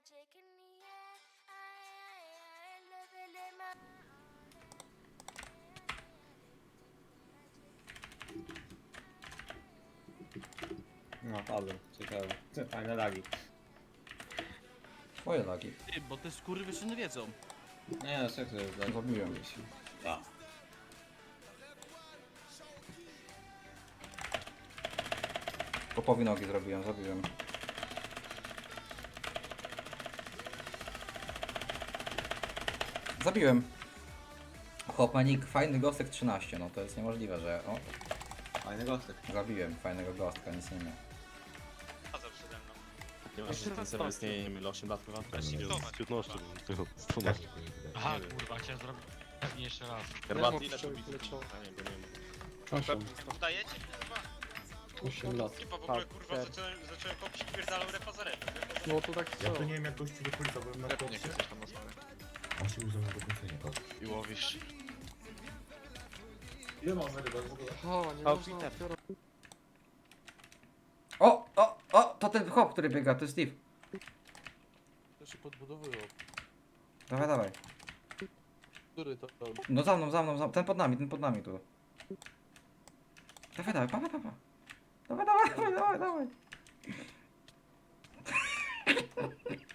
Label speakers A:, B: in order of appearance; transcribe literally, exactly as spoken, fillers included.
A: magic in the air. I, I, I love it in my
B: No, padłem. Ciekawe. Ty, fajne lagi.
C: Twoje lagi.
D: Ty, bo te skurwysyny wiedzą.
B: Nie, no, co to jest lag?
C: Zabiłem.
B: A.
C: Popowi nogi zrobiłem, zabiłem. Zabiłem. Chłopanik, fajny gostek trzynaście, no to jest niemożliwe, że... O,
B: Fajny gostek.
C: zabiłem fajnego gostka, nic nie miał.
E: Chodzą przede mną.
F: Nie ma, że ten serwer istnieje, nie wiem, ile osiem lat chyba?
E: Zobacz,
F: Z piętnaście, z dwunastu.
G: Aha, kurwa, chciałem zrobić pewnie jeszcze raz.
F: Herbaty, ile to bici? A nie, bo nie wiem.
H: osiem,
E: udajecie, kurwa?
H: osiem lat.
E: Chyba w ogóle, kurwa, zacząłem, zacząłem kopić pierdalą repa za repą.
H: No to tak
I: Ja
H: co?
I: to nie wiem jak gościu do końca byłem na
G: Pewnie
I: kopcie.
G: chcesz tam na słowę.
I: On się uznał na dokończenie kopcie.
G: I łowisz.
I: Ile mam na rybach w ogóle?
H: Aha, nie można otwierać.
C: O, o, o, to ten chłop, który biega, to jest Steve.
J: To się podbudowują.
C: Dawaj, dawaj.
J: Który to tam?
C: No za mną, za mną, za mną. Ten pod nami, ten pod nami tu. Dawaj, dawaj, pa, pa, pa, pa. Dawaj, dawaj, dawaj, dawaj, dawaj.